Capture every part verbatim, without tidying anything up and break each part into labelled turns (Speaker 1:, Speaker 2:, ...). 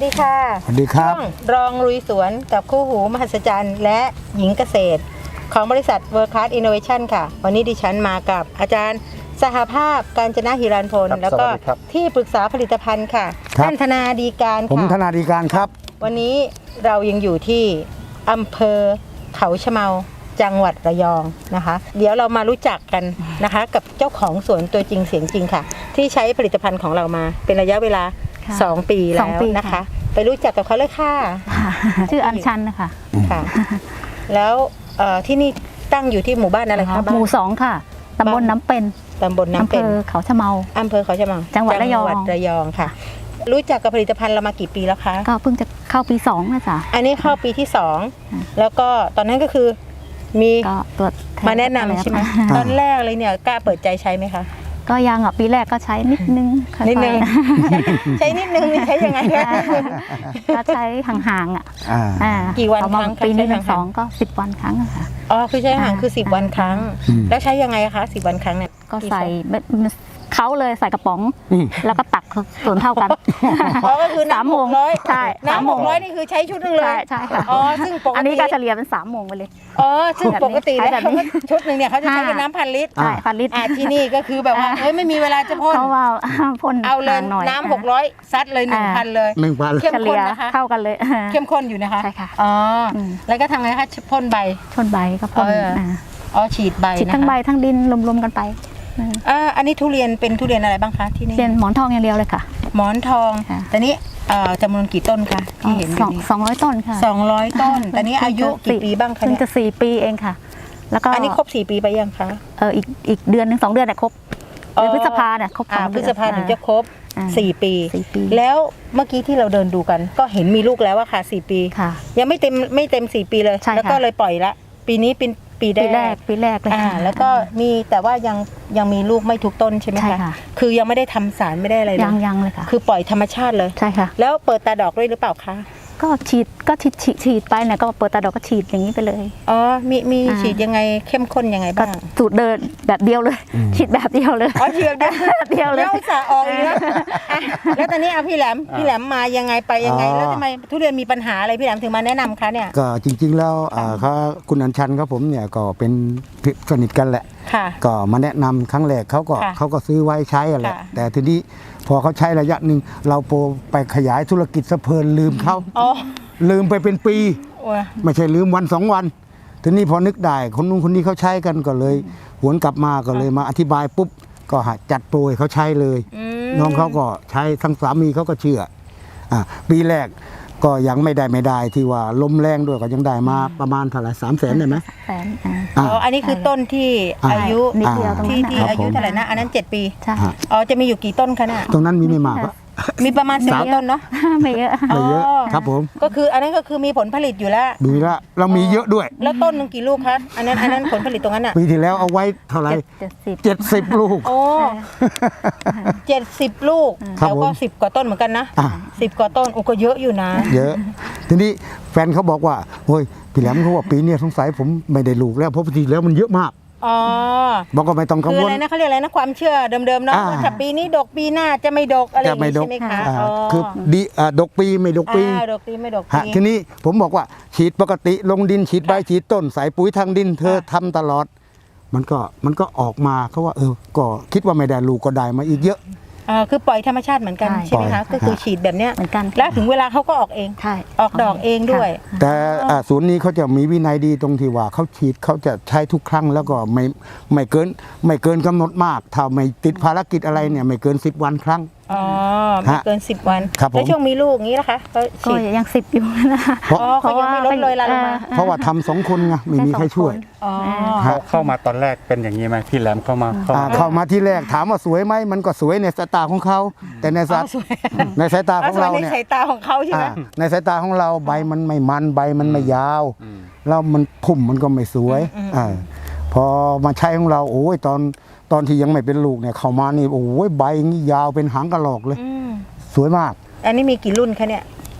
Speaker 1: ดีค่ะ
Speaker 2: สวัสดีครับ
Speaker 1: รองลุยสวนกับคู่หูมหัศจรรย์และหญิงเกษตรของบริษัท World Class Innovation ค่ะวันนี้ดิฉันมากับอาจารย์สหภาพกาญจนหิรันพลแล้วก็ที่ปรึกษาผลิตภัณฑ์ค่ะท่านธนาดีการค่ะ
Speaker 2: ผมธนาดีการครับ
Speaker 1: วันนี้เรายังอยู่ที่อำเภอเขาชะเมาจังหวัดระยองนะคะเดี๋ยวเรามารู้จักกันนะคะกับเจ้าของสวนตัวจริงเสียงจริงค่ะที่ใช้ผลิตภัณฑ์ของเรามาเป็นระยะเวลาสองปีแล้วนะคะไปรู้จักกับเขาเลยค่ะ
Speaker 3: ชื่ออัญชันนะคะ
Speaker 1: ค่ะแล้วที่นี่ตั้งอยู่ที่หมู่บ้านอะไรคะ
Speaker 3: หมู่สองค่ะตำบลน้ำเป็น
Speaker 1: ตำบลน้ำเป็น
Speaker 3: อำเภอเขาชะเมา
Speaker 1: อำเภอเขาชะเมา
Speaker 3: จังหวัดระยอง
Speaker 1: ระยองค่ะรู้จักกับผลิตภัณฑ์เรามากี่ปีแล้วคะ
Speaker 3: ก็เพิ่งจะเข้าปีสองนะจ๊ะ
Speaker 1: อันนี้เข้าปีที่สองแล้วก็ตอนนั้นก็คือมี
Speaker 3: ตัว
Speaker 1: มาแนะนำใช่ไหมตอนแรกเลยเนี่ยกล้าเปิดใจใช้ไหมคะ
Speaker 3: ก็ยังอ่ะปีแรกก็ใช้นิดนึง
Speaker 1: นิดนึงใช้นิดนึงนี่ใช้ยังไงคะ
Speaker 3: ก็ใช้ห่างๆอ่ะ
Speaker 1: กี่วันครั้ง
Speaker 3: ปีนี้เป็นสองก็สิบวันครั้งค่ะ
Speaker 1: อ๋อคือใช้ห่างคือสิบวันครั้งแล้วใช้ยังไงคะสิบวันครั้งเนี่ย
Speaker 3: ก็ใส่เขาเลยใส่กระป๋องแล้วก็ตักส่วนเท่ากัน
Speaker 1: อ๋อก็คือน้ำหกร้อย
Speaker 3: ใช่
Speaker 1: น้ำหกร้อยนี่คือใช้ชุดนึงเลย
Speaker 3: ใช่ค่ะ
Speaker 1: อ๋อซึ่งปกติ
Speaker 3: อันนี้ก็เฉลี่ยเป็นสามโมงไปเลย
Speaker 1: อ๋อซึ่งปกติแล้วชุดหนึ่งเนี่ยเขาจะใช้เป็นน้ำพันลิตร
Speaker 3: ใช่พันลิตร
Speaker 1: ที่นี่ก็คือแบบว่าเฮ้ยไม่มีเวลาจะพ่น
Speaker 3: เขาว่าพ่น
Speaker 1: เอาเลยน้ำหกร้อยซัดเลยหนึ่งพันเลย
Speaker 2: หนึ่งพัน
Speaker 1: เข้มข้นนะคะ
Speaker 3: เข้ากันเลย
Speaker 1: เข้มข้นอยู่นะคะ
Speaker 3: ใช่ค่ะ
Speaker 1: อ๋อแล้วก็ทำไงคะพ่นใบ
Speaker 3: พ่นใบก็พ่น
Speaker 1: อ๋อฉีดใบ
Speaker 3: ฉีดทั้งใบทั้งดินรวมๆกันไป
Speaker 1: อ่าอันนี้ทุเรียนเป็นทุเรียนอะไรบ้างคะที่นี่
Speaker 3: เป็นหมอนทองอย่างเดียวเลยค่ะ
Speaker 1: หมอนทองแต่นี้จำนวนกี่ต้นคะที่เห็น
Speaker 3: สองสองร้อยต้นค่ะ
Speaker 1: สองร้อยต้นแต่นี้อายุกี่ปีบ้างคะ
Speaker 3: เนี่ยจะสี่ปีเองค่ะ
Speaker 1: แล้วก็อันนี้ครบสี่ปีไปยังคะ
Speaker 3: เอออีกอีกเดือนหนึ่งสองเดือนเนี่ยครบเดือนพฤษภาเนี่ยครบ
Speaker 1: สองเดือนพฤษภาถึงจะครบสี่ปีแล้วเมื่อกี้ที่เราเดินดูกันก็เห็นมีลูกแล้วว่าค่ะสี่ปียังไม่เต็มไม่เต็มสี่ปีเลยแล้วก็เลยปล่อยละปีนี้เป็นปีแรก
Speaker 3: ปีแรกเลย
Speaker 1: อ่าแล้วก็มีแต่ว่ายังยังมีลูกไม่ทุกต้นใช่ไหมคะคือยังไม่ได้ทำสารไม่ได้อะไรเลย
Speaker 3: ยังยังเลยค่ะ
Speaker 1: คือปล่อยธรรมชาติเลย
Speaker 3: ใช่ค่ะ
Speaker 1: แล้วเปิดตาดอกด้วยหรือเปล่าคะ
Speaker 3: ก็ฉีดก็ฉีดฉีดไปเนี่ยก็เปิดตาดอกก็ฉีดอย่างนี้ไปเลย
Speaker 1: อ๋อมีมีฉีดยังไงเข้มข้นยังไงบ้าง
Speaker 3: สูตรเดินแบบเดียวเลยฉีดแบบเดียวเลย
Speaker 1: อ๋อฉีดแบบ
Speaker 3: เดียวเลย
Speaker 1: แล้วจะออกอีกแล้วแล้วตอนนี้เอาพี่แหลมพี่แหลมมายังไงไปยังไงแล้วทำไมทุเรียนมีปัญหาอะไรพี่แหลมถึงมาแนะนำคะเนี่ย
Speaker 2: ก็จริงๆแล้วเขาคุณอัญชันครับผมเนี่ยก็เป็นสนิทกันแหละก็มาแนะนำครั้งแรกเขาก็เขาก็ซื้อไว้ใช้แหละแต่ทีนี้พอเขาใช้ระยะหนึ่งเราโปรไปขยายธุรกิจสะเพลินลืมเขาลืมไปเป็นปีไม่ใช่ลืมวันสองวันทีนี้พอนึกได้คนนู้นคนนี้เขาใช้กันก็เลยหวนกลับมาก็เลยมาอธิบายปุ๊บก็จัดโปรยเขาใช้เลยน้องเขาก็ใช้ทั้งสามีเขาก็เชื่ออ่ะปีแรกก็ยังไม่ได้ไม่ได้ที่ว่าลมแรงด้วยก็ยังได้มาประมาณเท่าไหร่สามแสนได้ไหม
Speaker 3: แสน
Speaker 1: อ๋ออันนี้คือต้นที่อายุที่ที่อายุเท่าไหร่นะอันนั้นเจ็ดปีอ๋อจะมีอยู่กี่ต้นคะเนี่ย
Speaker 2: ตรงนั้นมีไม่มาก
Speaker 1: มีประมาณสิบต้นเนาะ
Speaker 3: ไม่เยอะ
Speaker 2: ไม่เยอะครับผม
Speaker 1: ก็คืออันนั้นก็คือมีผลผลิตอยู่แล้ว
Speaker 2: มีแล้วเรามีเยอะด้วย
Speaker 1: แล้วต้นหนึ่งกี่ลูกคะอันนั้นอันนั้นผลผลิตตรงนั้นอ่ะ
Speaker 2: ปีที่แล้วเอาไว้เท่าไหร่เจ็ดสิบลูก
Speaker 1: โอ้เจ็ดสิบลูกแล้วก็สิบกว่าต้นเหมือนกันนะสิบกว่าต้นโอ้ก็เยอะอยู่นะ
Speaker 2: เยอะทีนี้แฟนเขาบอกว่าโอ้ยพี่แหลมเขาว่าปีนี้สงสัยผมไม่ได้ลูกแล้วเพราะปีที่แล้วมันเยอะมาก
Speaker 1: อ๋อ
Speaker 2: บอกก็ไม่ต้องกังวล
Speaker 1: คืออะไรนะเขาเรียกอะไรนะความเชื่อเดิมๆเนาะว่าถ้าปีนี้ดกปีหน้าจะไม่ดกอะไรอย่างนี้ใช่ไหมคะ
Speaker 2: คือดีดกปีไม่ดกปี
Speaker 1: ดกปีไม่ดกปี
Speaker 2: ทีนี้ผมบอกว่าฉีดปกติลงดินฉีดใบฉีดต้นใส่ปุ๋ยทางดินเธอทำตลอดมันก็มันก็ออกมาเขาว่าเออก็คิดว่าไม่ได้ลูกก็ได้มาอีกเยอะ
Speaker 1: อ่าคือปล่อยธรรมชาติเหมือนกันใช่ไหมคะก็คือฉีดแบบเนี้ย
Speaker 3: เหมือนกัน
Speaker 1: แล้วถึงเวลาเขาก็ออกเองออกดอกเองด้วย
Speaker 2: แต่ศูนย์นี้เขาจะมีวินัยดีตรงที่ว่าเขาฉีดเขาจะใช้ทุกครั้งแล้วก็ไม่ไม่เกินไม่เกินกำหนดมากถ้าไม่ติดภารกิจอะไรเนี่ยไม่เกินสิบวันครั้ง
Speaker 1: อ๋อไม่เกินสิบวันแล้วช่วงมีลูกงี้นะคะ
Speaker 3: ก็ยังสิบอยู่นะคะ
Speaker 1: เพราะเขายังไม่ลดเลยละลงมา
Speaker 2: เพราะว่าทำสองคนไงไม่มีใครช่วย
Speaker 4: เข้ามาตอนแรกเป็นอย่างนี้ไหมพี่แหลมเข้ามา
Speaker 2: เข้ามาที่แรกถามว่าสวยไหมมันก็สวยในสายตาของเขาแต่ในสายในสายตาของเราเนี่ย
Speaker 1: ในสายตาของเขาใช่ไหม
Speaker 2: ในสายตาของเราใบมันไม่มันใบมันไม่ยาวแล้วมันพุ่มมันก็ไม่สวยพอมาใช้ของเราโอ้ยตอนตอนที่ยังไม่เป็นลูกเนี่ยเข้ามานี่โอ้ยใบนี่ยาวเป็นหางกระรอกเลยสวยมาก
Speaker 1: อันนี้มีกี่รุ่นคะเนี่ย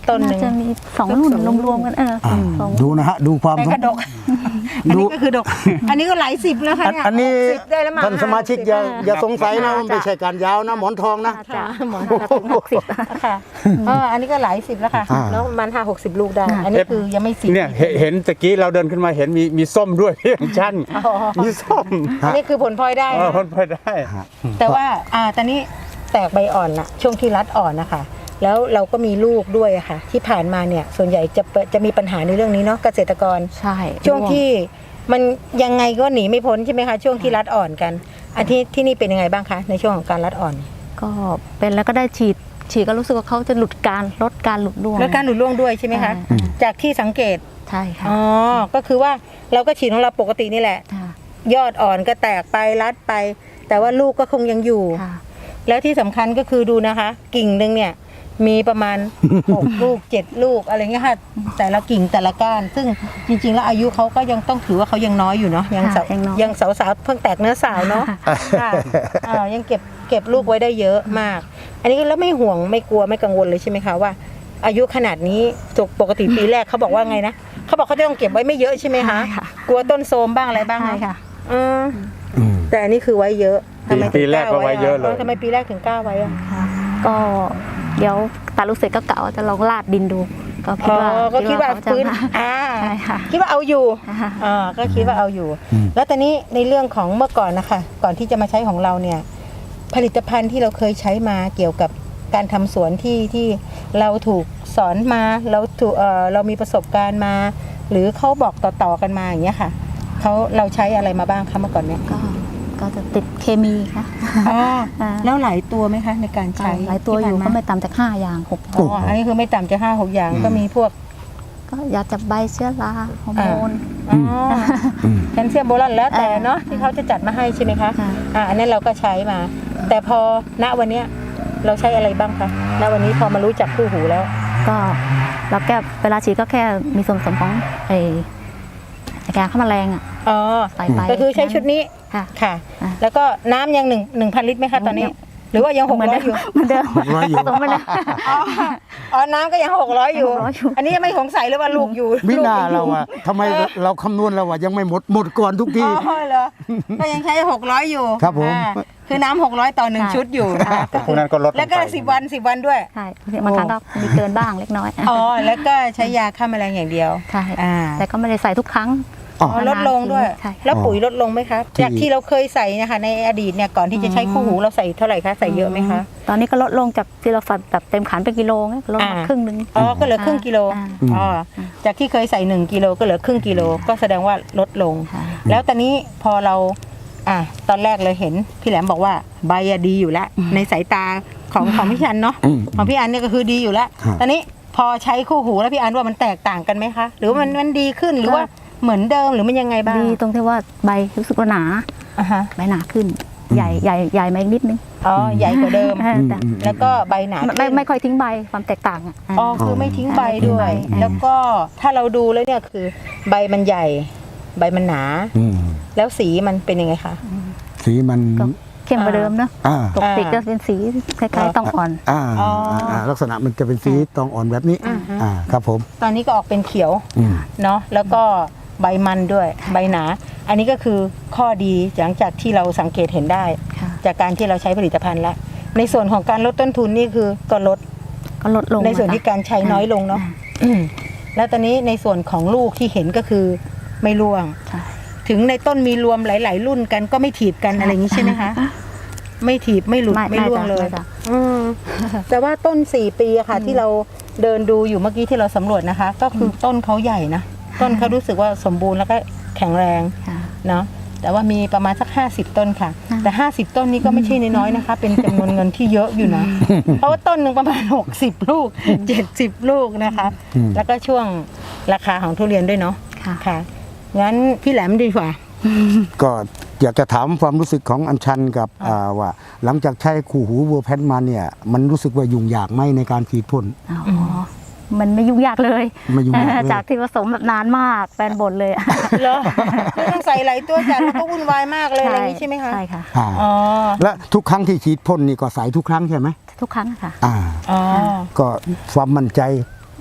Speaker 1: ต้นห
Speaker 3: น่า
Speaker 1: นึ่ง
Speaker 3: จะมีสองรุ่นรวมๆกันเออ
Speaker 2: อ่า
Speaker 3: สอง
Speaker 2: ดูนะฮะดูความ
Speaker 1: แต่กระดก อันนี้ก็คือดก อันนี้ก็หลายสิบแล้วค่ะ
Speaker 2: อัน
Speaker 1: เนี่ย
Speaker 2: อันนี้
Speaker 1: หกสิบได้แล้วมั้ง
Speaker 2: ท่านสมาชิกอย่าอย่าสงสัยนะมันไม่ใช่การยาวนะหมอนทองนะ
Speaker 3: จ้ะ
Speaker 1: หมอนห้าถึงหกสิบค่ะเอออันนี้ก็หลายสิบแล้วค่ะ
Speaker 2: อ่า
Speaker 1: แล้วประมันห้าหกสิบลูกได้ อันนี้คือยังไม่สิบ
Speaker 4: เนี่ยเห็นเห็นตะกี้เราเดินขึ้นมาเห็นมีมีส้มด้วย พี่อัญชัน
Speaker 1: อ๋อ
Speaker 4: มีส้ม
Speaker 1: อันนี้คือผลพลอยได้
Speaker 4: เออ
Speaker 1: นะ
Speaker 4: พ้นไปได้
Speaker 1: แต่ว่าอ่าตอนนี้แตกใบอ่อนละช่วงที่รัดอ่อนนะคะแล้วเราก็มีลูกด้วยอะค่ะ ที่ผ่านมาเนี่ยส่วนใหญ่จะเปิดจะมีปัญหาในเรื่องนี้เนาะเกษตรกร
Speaker 3: ใช่
Speaker 1: ช่วงที่มันยังไงก็หนีไม่พ้นใช่ไหมคะช่วงที่รัดอ่อนกันอันที่ที่นี่เป็นยังไงบ้างคะในช่วงของการรัดอ่อน
Speaker 3: ก็เป็นแล้วก็ได้ฉีดฉีดก็รู้สึกว่าเขาจะหลุดการลดการหลุดร่วง
Speaker 1: แล้วการหลุดร่วงด้วยใช่ไหมคะ
Speaker 3: อืม
Speaker 1: จากที่สังเกต
Speaker 3: ใช่ค่ะ
Speaker 1: อ๋อก็คือว่าเราก็ฉีดของเราปกตินี่แหละ
Speaker 3: ค่ะ
Speaker 1: ยอดอ่อนก็แตกไปรัดไป แต่ว่าลูกก็คงยังอยู่
Speaker 3: ค่ะ
Speaker 1: แล้วที่สำคัญก็คือดูนะคะ กิ่งหนึ่งเนี่ยมีประมาณ หก ลูกเจ็ดลูกอะไรเงี้ยค่ะแต่ละกิ่งแต่ละก้าน ซึ่งจริงๆแล้วอายุเขาก็ยังต้องถือว่าเขายังน้อยอยู่เนาะยังสาว
Speaker 3: ค่ะยังน้อย
Speaker 1: ยังสาวๆเพิ่งแตกเนื้อสาวเนาะค่ะอ่ายังเก็บเก็บลูกไว้ได้เยอะมาก อันนี้แล้วไม่ห่วงไม่กลัวไม่กังวลเลยใช่ไหมคะว่า อายุขนาดนี้ปกติปีแรกเขาบอกว่าไงนะเขาบอกเขาจะต้องเก็บไว้ไม่เยอะใช่ไหมคะ
Speaker 3: ใช่ค่ะ
Speaker 1: กลัวต้นโทรมบ้างอะไรบ้าง
Speaker 3: ใช่
Speaker 1: ไหม
Speaker 3: ค่ะ
Speaker 1: อืม
Speaker 2: อืม
Speaker 1: แต่อันนี้คือไว้เยอะทำไมถึง
Speaker 4: ปีแรกก็ไว้เยอะเลย
Speaker 1: ทำไมปีแรกถึงกล้าไว้อะ
Speaker 3: ค่ะก็เดี๋ยวตาลูกเสร็จก็กะว่าจะลองลาดดินดู ก็คิด
Speaker 1: อ๋อ
Speaker 3: ว่า
Speaker 1: ก็คิดว่า
Speaker 3: เขจะ
Speaker 1: ฟื้น
Speaker 3: มา
Speaker 1: อ่า
Speaker 3: ใช่ค่ะ
Speaker 1: คิดว่าเอาอยู่
Speaker 3: อ่า
Speaker 1: อ่าก็คิดว่าเอาอยู่
Speaker 2: อืม
Speaker 1: แล้วตอนนี้ในเรื่องของเมื่อก่อนนะคะ ก่อนที่จะมาใช้ของเราเนี่ย ผลิตภัณฑ์ที่เราเคยใช้มาเกี่ยวกับการทำสวนที่ที่เราถูกสอนมาเราถูกเอ่อเรามีประสบการณ์มา หรือเขาบอกต่อๆกันมาอย่างเงี้ยค่ะเขาเราใช้อะไรมาบ้างคะเมื่อก่อนเนี่ย
Speaker 3: ก็ก็จะติดเคมีค่ะ
Speaker 1: อ๋อ
Speaker 3: อ่า
Speaker 1: แล้วหลายตัวไหมคะในการใช้
Speaker 3: หลายตัวอยู่
Speaker 1: ที่
Speaker 3: ก็
Speaker 1: ผ่าน
Speaker 3: ไม่ต่ำจากห้าอย่างหก
Speaker 1: อ๋ออันนี้คือไม่ต่ำจะห้าหกอย่างก็มีพวก
Speaker 3: ก็ยาจับใบเชื้อราฮอร์โมน
Speaker 1: อ๋อ
Speaker 2: อืม
Speaker 1: แคลเซียมโบรอนแล้วแต่เนาะ
Speaker 3: อ่า
Speaker 1: ที่เขาจะจัดมาให้ใช่ไหมคะ
Speaker 3: ค่ะ
Speaker 1: อ่าอันนั้นเราก็ใช้มา แต่พอณวันเนี้ยเราใช้อะไรบ้างคะณวันนี้พอมารู้จักคู่หูแล้ว
Speaker 3: ก็เราแก้เวลาฉีดก็แค่มีส่วนผสมของไอ้ไอ้ยาฆ่าแมลงอ่ะ
Speaker 1: อ๋อ
Speaker 3: ใส่ไป
Speaker 1: ก็คือใช้ชุดนี้
Speaker 3: ค่ะ
Speaker 1: ค่ะ
Speaker 3: อ่า
Speaker 1: แล้วก็น้ำยังหนึ่งหนึ่งพันลิตรไหมคะตอนนี้ หรือว่ายังหกร้อยอยู่
Speaker 3: เหมือนเดิม
Speaker 2: หกร้อยอยู่
Speaker 3: ผสมไปเลย
Speaker 1: อ๋ออ๋อน้ำก็ยังหกร้อยอยู่
Speaker 3: หกร้อยอยู่
Speaker 1: อันนี้ยังไม่สงสัยเลยว่าลูกอยู่
Speaker 2: มิน่า
Speaker 1: ลูกยังอยู่
Speaker 2: เราอะทำไมเราคำนวณเราอะยังไม่หมดหมดก่อนทุกที
Speaker 1: อ๋อเหรอก็ยังใช้หกร้อยอยู่
Speaker 2: ครับผม
Speaker 1: อ่าคือน้ำหกร้อยต่อหนึ่ง
Speaker 3: ใช่
Speaker 1: ชุดอยู่อ่า
Speaker 4: พวกนั้นก็ลดงไป
Speaker 1: แล้วก็สิบวันสิบวันด้วย
Speaker 3: ใช่บางครั้งก็มีเกินบ้างเล็กน้อย
Speaker 1: อ๋อ แล้วก็ใช้ยาฆ่าแมลงอย่างเดียว
Speaker 3: ใช่
Speaker 1: อ่า
Speaker 3: แต่ก็ไม่ได้ใส่ทุกครั้ง
Speaker 2: อ๋อ
Speaker 1: อ๋อลดลงด้วย
Speaker 3: ใช่
Speaker 1: แล้วปุ๋ยลดลงไหมคะ
Speaker 2: ที่
Speaker 1: จากที่เราเคยใส่นะคะในอดีตเนี่ยก่อนที่จะใช้คู่หูเราใส่เท่าไหร่คะ ใส่เยอะไหมคะ
Speaker 3: ตอนนี้ก็ลดลงจากที่เราใส่แบบเต็มขันเป็นกิโลเนี่ยลดมา
Speaker 1: อ่า
Speaker 3: ครึ่งหนึง
Speaker 1: อ๋อ ก็เหลือครึ่งกิโล
Speaker 3: อ่า
Speaker 1: อ๋อ จากที่เคยใส่หนึ่งกิโลก็เหลือครึ่งกิโล ก็แสดงว่าลดลง
Speaker 3: ค่ะ
Speaker 1: แล้วตอนนี้พอเรา อ่ะ ตอนแรกเลยเห็นพี่แหลมบอกว่าใบอะดีอยู่แล้ว ในสายตาของของพี่อันเนาะ
Speaker 2: อืม
Speaker 1: ของพี่อันเนี่ยก็คือดีอยู่แล้ว
Speaker 2: ครับ
Speaker 1: ตอนนี้พอใช้คู่หูแล้วพี่อันว่ามันแตกต่างกันไหมคะ หรือว่ามันมันดีขึ้นหรือว่าเหมือนเดิมหรือมันยังไงบ้าง
Speaker 3: ดีตรงที่ว่าใบรู้สึกว่าหนา
Speaker 1: อ่ะฮะ
Speaker 3: ใบหนาขึ้น ใหญ่ใหญ่ใหญ่มาอีกนิดนึง
Speaker 1: อ๋อ ใหญ่กว่าเดิม
Speaker 3: อ่าแต่
Speaker 2: อืม
Speaker 1: แล้วก็ใบหนา
Speaker 3: ไม่ไม่ไม่ค่อยทิ้งใบความแตกต่างอ่ะ
Speaker 1: อ๋อคือไม่ทิ้งใบด้วย
Speaker 3: ไม่ทิ้งใบ
Speaker 1: แล้วก็ถ้าเราดูแล้วเนี่ยคือใบมันใหญ่ ใบมันหนา
Speaker 2: อืม
Speaker 1: แล้วสีมันเป็นยังไงคะ
Speaker 2: สีมัน
Speaker 3: ก็เข้มกว่าเดิมเนอะ
Speaker 2: อ่า
Speaker 3: ปกติก็เป็นสีคล้ายๆต้องอ่อน
Speaker 2: อ่า
Speaker 1: อ๋ออ่
Speaker 2: าลักษณะมันจะเป็นสีตองอ่อนแบบนี้
Speaker 1: อ่าฮะ
Speaker 2: อ่าครับผม
Speaker 1: ตอนนี้ก็ออกเป็นเขียว
Speaker 2: อืม
Speaker 1: เนาะแล้วก็ใบมันด้วยใบหนา อันนี้ก็คือข้อดีหลังจากที่เราสังเกตเห็นได้
Speaker 3: ค่ะ
Speaker 1: จากการที่เราใช้ผลิตภัณฑ์แล้วในส่วนของการลดต้นทุนนี่คือก็ลด
Speaker 3: ก็ลดลง
Speaker 1: ในส่วนที่การใช้น้อยลงเนาะอืมแล้วตอนนี้ในส่วนของลูกที่เห็นก็คือไม่ร่วง
Speaker 3: ใช่
Speaker 1: ถึงในต้นมีรวมหลาย ๆ รุ่นกันก็ไม่ถีบกันอะไรอย่างนี้ใช่ไหมคะ ไม่ถีบไม่หลุด
Speaker 3: ไม่
Speaker 1: ไม่ร่วง
Speaker 3: ไม่
Speaker 1: เลย
Speaker 3: จ้ะ
Speaker 1: อืมแต่ว่าต้นสี่ปีอะค่ะ ที่เราเดินดูอยู่เมื่อกี้ที่เราสำรวจนะคะ ก็คือต้นเขาใหญ่นะต้นเขารู้สึกว่าสมบูรณ์แล้วก็แข็งแรง
Speaker 3: ค่ะ
Speaker 1: เนาะแต่ว่ามีประมาณสักห้าสิบต้นค่ะ
Speaker 3: อ่า
Speaker 1: แต่ห้าสิบต้นนี้ก็ไม่ใช่น้อยๆนะคะ เป็นจำนวนเงินที่เยอะอยู่นะ เพราะว่าต้นหนึ่งประมาณหกสิบลูกเจ็ดสิบลูกนะคะ
Speaker 2: อืม
Speaker 1: แล้วก็ช่วงราคาของทุเรียนด้วยเนาะ
Speaker 3: ค่ะ
Speaker 1: ค่ะงั้นพี่แหลมดีกว่า
Speaker 2: ก็อยากจะถามความรู้สึกของอัญชันกับอ่าว่า หลังจากใช้คู่หูวัวแพนมาเนี่ย มันรู้สึกว่ายุ่งยากไหมในการฉีดพ่น
Speaker 3: อ๋อมันไม่ยุ่งยากเลย
Speaker 2: ไม่ยุ่งยากเลย
Speaker 3: จากที่ผสมแบบนานมากแฟนบ่นเลยอะ
Speaker 1: เหรอคือต้องใส่หลายตัวจัดแล้วก็วุ่นวายมากเลยอะไรอย่างนี้ใช่ไหมคะ
Speaker 3: ใช่ค่ะ
Speaker 2: อ่า
Speaker 1: อ๋อ
Speaker 2: และทุกครั้งที่ฉีดพ่นนี่ก็ใส่ทุกครั้งใช่ไหม
Speaker 3: ทุกครั้งอะค่ะ
Speaker 2: อ่า
Speaker 1: อ๋อ
Speaker 2: ก็ความมั่นใจ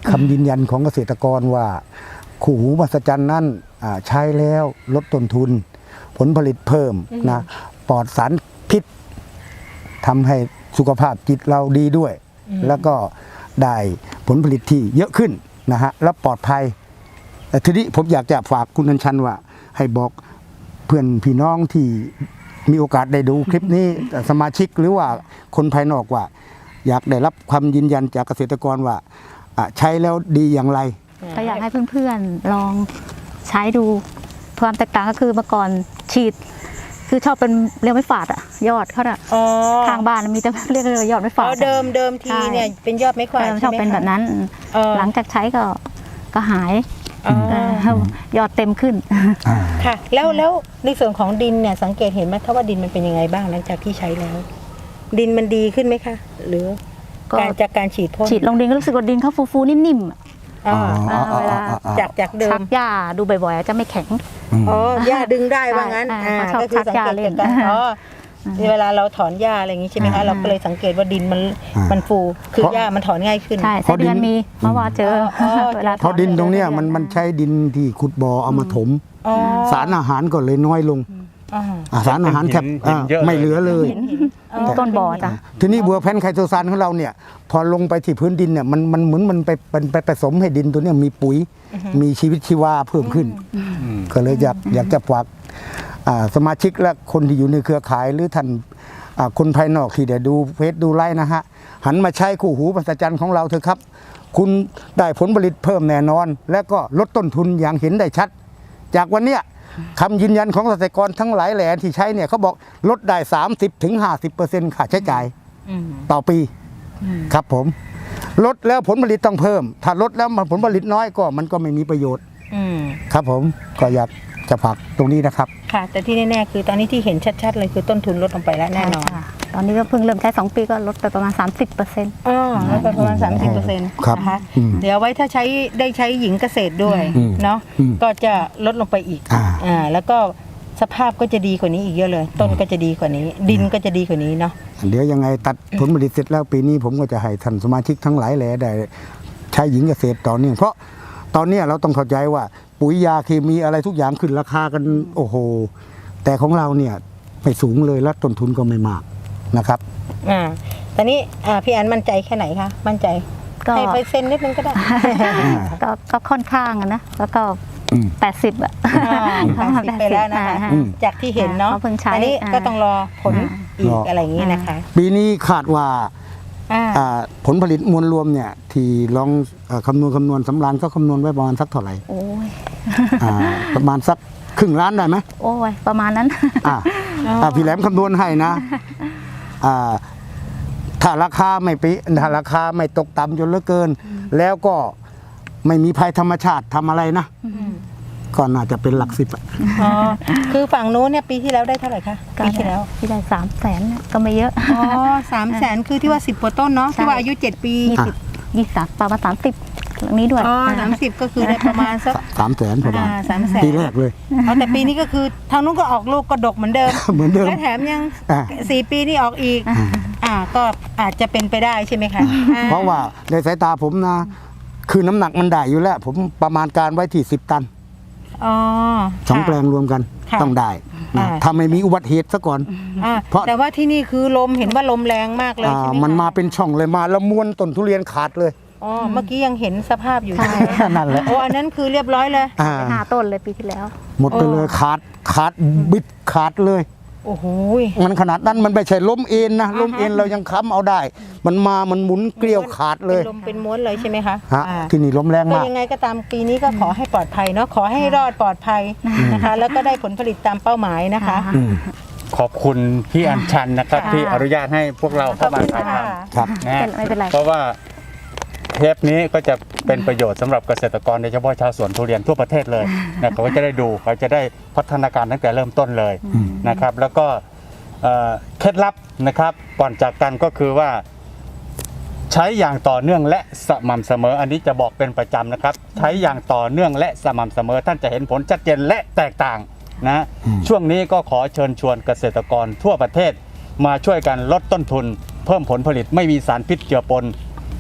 Speaker 2: คำยืนยันของเกษตรกรว่าคู่หูมหัศจรรย์นั้นอ่าใช้แล้วลดต้นทุน ผลผลิตเพิ่มนะปลอดสารพิษทำให้สุขภาพจิตเราดีด้วย แล้วก็ได้ผลผลิตที่เยอะขึ้นนะฮะและปลอดภัยแต่ทีนี้ผมอยากจะฝากคุณอัญชันว่าให้บอกเพื่อนพี่น้องที่มีโอกาสได้ดูคลิปนี้สมาชิกหรือว่าคนภายนอกว่า อยากได้รับความยืนยันจากเกษตรกรว่าอ่ะใช้แล้วดีอย่างไร
Speaker 3: ก็อยากให้เพื่อนๆลองใช้ดูความแตกต่างก็คือเมื่อก่อนฉีด คือชอบเป็นเรียกไม่ฝาดอะยอดเขาอะ
Speaker 1: อ๋อ
Speaker 3: ข้างบ้านมีแต่เรียกเลยยอดไม่ฝา
Speaker 1: อ๋
Speaker 3: ด
Speaker 1: อเดิมเดิมทีเนี่ยเป็นยอดไม้ขวาด
Speaker 3: เออช
Speaker 1: ใช่
Speaker 3: อบ
Speaker 1: ไหม
Speaker 3: เป็น
Speaker 1: คะ
Speaker 3: แบบนั้น
Speaker 1: เออ
Speaker 3: หลังจากใช้ก็ก็หาย
Speaker 1: อ๋อ
Speaker 3: เออยอดเต็มขึ้น
Speaker 1: ค่ะ แล้วแล้วในส่วนของดินเนี่ยสังเกตเห็นไหมคะว่าดินมันเป็นยังไงบ้างหลังจากที่ใช้แล้ว ดินมันดีขึ้นไหมคะ หรือ
Speaker 3: ก็
Speaker 1: การจากการฉีดพ่น
Speaker 3: ฉีดลงดินก็รู้สึกว่าดินเขาฟูๆนิ่มๆอะ
Speaker 1: อ๋อ
Speaker 3: เออเวลา
Speaker 1: จากจากเดิ
Speaker 3: ชั
Speaker 1: ม
Speaker 3: กหญ้าดูบ่อยๆจะไม่แข็ง
Speaker 1: อ๋อย่าดึงได้ว่างั้น
Speaker 3: ใช่
Speaker 1: อ่า
Speaker 3: เขาชอบ
Speaker 1: ก็คือสัง
Speaker 3: ชักหญ้า
Speaker 1: เกต
Speaker 3: เล่น
Speaker 1: จากการอ๋อเวลาเราถอนหญ้าอะไรอย่างงี้ใช่ไหมคะ
Speaker 3: อ่า
Speaker 1: เราก็เลยสังเกตว่าดินมัน
Speaker 2: อ่ามั
Speaker 1: มันฟูคือ
Speaker 2: เพราะ
Speaker 1: หญ้ามันถอนง่ายขึ้น
Speaker 3: ใช่
Speaker 2: เพ
Speaker 3: ไส้
Speaker 2: ราะดิน
Speaker 3: เดือนมีเมื่อวานเจอ
Speaker 1: อ๋อ
Speaker 3: เวลา
Speaker 2: เพราะดินตรงเนี้ยมันมันใช้ดินที่ขุดบ่อเอามาถม
Speaker 1: อ๋อ
Speaker 2: สารอาหารก็เลยน้อยลง
Speaker 1: อ๋อ
Speaker 2: อ่าสารอาหารแทบ
Speaker 4: เห็นเยอะเลย
Speaker 2: ไม่เหลือเลย
Speaker 1: เห็นเห็นอ๋อ
Speaker 3: ต้นบ่อจ้ะ
Speaker 2: ทีนี้บัวแพนไคโตซานของเราเนี่ยพอลงไปที่พื้นดินเนี่ยมันมันเหมือนมันไปมันไปผสมให้ดินตัวเนี้ยมีปุ๋ย มีชีวิตชีวาเพิ่มขึ้น ก็เลยอยากอยากจะฝากอ่าสมาชิกและคนที่อยู่ในเครือข่ายหรือท่านอ่าคนภายนอกที่ได้ดูเฟซดูไลน์นะฮะหันมาใช้คู่หูมหัศจรรย์ของเราเถอะครับ คุณได้ผลผลิตเพิ่มแน่นอน และก็ลดต้นทุนอย่างเห็นได้ชัด จากวันเนี้ยคำยืนยันของเกษตรกรทั้งหลายแหล่ที่ใช้เนี่ยเขาบอกลดได้ สามสิบถึงห้าสิบเปอร์เซ็นต์ ค่าใช้จ่าย
Speaker 1: อืม
Speaker 2: ต่อปีครับผมลดแล้วผลผลิตต้องเพิ่ม ถ้าลดแล้วมันผลผลิตน้อยก็มันก็ไม่มีประโยชน์
Speaker 1: อืม
Speaker 2: ครับผมก็อยากจะฝากตรงนี้นะครับ
Speaker 1: ค่ะ แต่ที่แน่ๆคือตอนนี้ที่เห็นชัดๆเลยคือต้นทุนลดลงไปแล้วแน่นอน
Speaker 3: ใช่ค่ะตอนนี้ก็เพิ่งเริ่มใช้สองปีก็ลดไปประมาณ สามสิบเปอร์เซ็นต์
Speaker 1: อ๋อลดไปประมาณสามสิบเปอร์เซ็นต์
Speaker 2: ครับ
Speaker 1: นะคะ
Speaker 2: อืม
Speaker 1: เดี๋ยวไว้ถ้าใช้ได้ใช้หญิงเกษตรด้วย
Speaker 2: อืม
Speaker 1: เนาะ
Speaker 2: อืม
Speaker 1: ก็จะลดลงไปอีก
Speaker 2: อ่า
Speaker 1: อ่าแล้วก็สภาพก็จะดีกว่านี้อีกเยอะเลย ต้นก็จะดีกว่านี้ ดินก็จะดีกว่านี้เนาะ
Speaker 2: เดี๋ยวยังไงตัดผลผลิตเสร็จแล้วปีนี้ผมก็จะให้ท่านสมาชิกทั้งหลายแหล่ได้ใช้หญิงเกษตรต่อเนื่องเพราะตอนเนี้ยเราต้องเข้าใจว่า ปุ๋ยยาเคมีอะไรทุกอย่างขึ้นราคากันโอ้โห แต่ของเราเนี่ยไม่สูงเลยและต้นทุนก็ไม่มากนะครับ
Speaker 1: อ่าตอนนี้อ่าพี่อันมั่นใจแค่ไหนคะมั่นใจ
Speaker 3: ก็
Speaker 1: ให้เปอร์เซ็นต์นิดนึงก็ได้
Speaker 3: ก็ก็ค่อนข้างอะนะแล้วก็
Speaker 2: อืม
Speaker 3: แปดสิบอะ
Speaker 1: อ่าแปดสิบไปแล้วนะคะ
Speaker 3: อ่า
Speaker 2: อืม
Speaker 1: จากที่เห็นเนาะ
Speaker 3: เขาเพิ่งใช้
Speaker 1: อันนี้ก็
Speaker 3: อ่า
Speaker 1: ต้องรอผล
Speaker 3: อ่า
Speaker 1: อีก
Speaker 2: รออ
Speaker 1: อะไรอย่างนี้นะคะ
Speaker 2: ปีนี้คาดว่า
Speaker 1: อ่า
Speaker 2: อ่าผลผลิตมวลรวมเนี่ยที่ลองเอ่อคำนวณคำนวณสำรานก็คำนวณไว้ประมาณสักเท่าไหร่
Speaker 3: โอ้ย
Speaker 2: อ่าประมาณสักครึ่งล้านได้ไหม
Speaker 3: โอ้ยประมาณนั้น
Speaker 2: อ่าอ่าพี่แหลมคำนวณให้นะอ่าถ้าราคาไม่ปีถ้าราคาไม่ตกต่ำจนเหลือเกิน แล้วก็ไม่มีภัยธรรมชาติทำอะไรนะ ก็น่าจะเป็นหลักสิบอะ
Speaker 1: อ๋อคือฝั่งนู้นเนี่ยปีที่แล้วได้เท่าไหร่คะ
Speaker 3: ก็
Speaker 1: ปีที่แล้ว
Speaker 3: ที่ได้สามแสนก็ไม่เยอะ
Speaker 1: อ๋อสามแสนคือที่ว่าสิบกว่าต้นเนาะ
Speaker 3: ใช่
Speaker 1: ที่ว่าอายุเจ็ดปี
Speaker 3: ยี่สิบยี่สิบประมาณสามสิบตรงนี้ด้วย
Speaker 1: อ๋อสามสิบก็คือได้ประมาณสัก
Speaker 2: สามแสนประมาณ
Speaker 1: อ่าสามแสน
Speaker 2: ปีแรกเลย
Speaker 1: เอาแต่ปีนี้ก็คือทางนู้นก็ออกลูกกระดกเหมือนเดิม
Speaker 2: เหมือนเดิม
Speaker 1: และแถมยัง
Speaker 2: อ่า
Speaker 1: สี่ปีนี่ออกอีก อ่าก็อาจจะเป็นไปได้ใช่ไหมคะอ่
Speaker 2: เพราะว่าในสายตาผมนะ คือน้ำหนักมันได้อยู่แล้ว ผมประมาณการไว้ที่สิบตัน
Speaker 1: อ๋อ
Speaker 2: สอง
Speaker 1: ค่ะ
Speaker 2: แปลงรวมกัน
Speaker 1: ค่ะ
Speaker 2: ต้องได้นะ
Speaker 1: อ่า
Speaker 2: ถ้าไม่มีอุบัติเหตุซะก่อน
Speaker 1: อ่า
Speaker 2: เพราะ
Speaker 1: แต่ว่าที่นี่คือลมเห็นว่าลมแรงมากเลย
Speaker 2: อ่า
Speaker 1: ใช่ไหม
Speaker 2: มัน
Speaker 1: คะ
Speaker 2: มาเป็นช่องเลยมาแล้วม้วนต้นทุเรียนขาดเลย
Speaker 1: อ๋อเมื่อกี้ยังเห็นสภาพอยู่ใช่ไหม
Speaker 2: นั่นแหละ
Speaker 1: โอ้อันนั้นคือเรียบร้อยเลย
Speaker 2: อ่า
Speaker 3: ไปห้าต้นเลยปีที่แล้ว
Speaker 2: หมดไปเลยขาดขาดบิดขาดเลย
Speaker 1: โอ้โห
Speaker 2: มันขนาดนั้นมันไม่ใช่ล้มเอ็นนะล้มเอ็นเรายังค้ำเอาได้ มันมามันหมุนเกลียวขาดเลย
Speaker 1: เป็นลมเป็นม้วนเลยใช่ไหมคะ
Speaker 2: ฮะ
Speaker 1: อ่า
Speaker 2: ที่นี่ล้มแรง
Speaker 1: ก็
Speaker 2: มาก
Speaker 1: ยังไงก็ตามปีนี้ก็ขอให้ปลอดภัยเนาะขอให้รอดปลอดภัยนะคะ แล้วก็ได้ผลผลิตตามเป้าหมายนะคะ
Speaker 2: อืม
Speaker 4: ขอบคุณพี่อัญชันนะครับ
Speaker 1: ค่ะ
Speaker 4: ที่อนุญาตให้พวกเรา
Speaker 1: ขอ
Speaker 4: เข้า
Speaker 1: บ
Speaker 4: มา
Speaker 1: คุณ
Speaker 4: ถ่าย
Speaker 1: ค่ะ
Speaker 4: ท
Speaker 2: ครับ
Speaker 4: ำนะฮะ
Speaker 3: ไม่เป็นไร
Speaker 4: เพราะว่าเทปนี้ก็จะเป็นประโยชน์สำหรับเกษตรกรโดยเฉพาะชาวสวนทุเรียนทั่วประเทศเลยนะเขาก็จะได้ดูเขาจะได้พัฒนาการตั้งแต่เริ่มต้นเลยนะครับ แล้วก็เอ่อเคล็ดลับนะครับก่อนจากกันก็คือว่า ใช้อย่างต่อเนื่องและสม่ำเสมอ อันนี้จะบอกเป็นประจำนะครับ ใช้อย่างต่อเนื่องและสม่ำเสมอ ท่านจะเห็นผลชัดเจนและแตกต่างนะช่วงนี้ก็ขอเชิญชวนเกษตรกรทั่วประเทศ มาช่วยกันลดต้นทุน เพิ่มผลผลิตไม่มีสารพิษเจือปน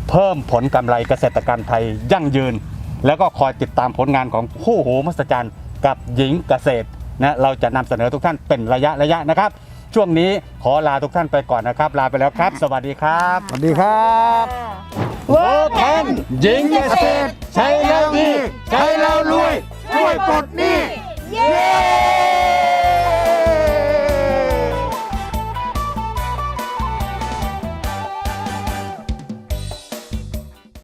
Speaker 4: เพิ่มผลกำไรเกษตรกรรมไทยยั่งยืน แล้วก็คอยติดตามผลงานของคู่หูมหัศจรรย์กับหญิงเกษตรนะเราจะนำเสนอทุกท่านเป็นระยะระยะนะครับช่วงนี้ขอลาทุกท่านไปก่อนนะครับลาไปแล้วครับสวัสดีครับ
Speaker 2: สวัสดีครับ
Speaker 1: เวิร์กแพน
Speaker 2: หญิงเกษตรใช้แล้วดีใช้แล้วรวยช่วยปลดหนี้
Speaker 1: เย้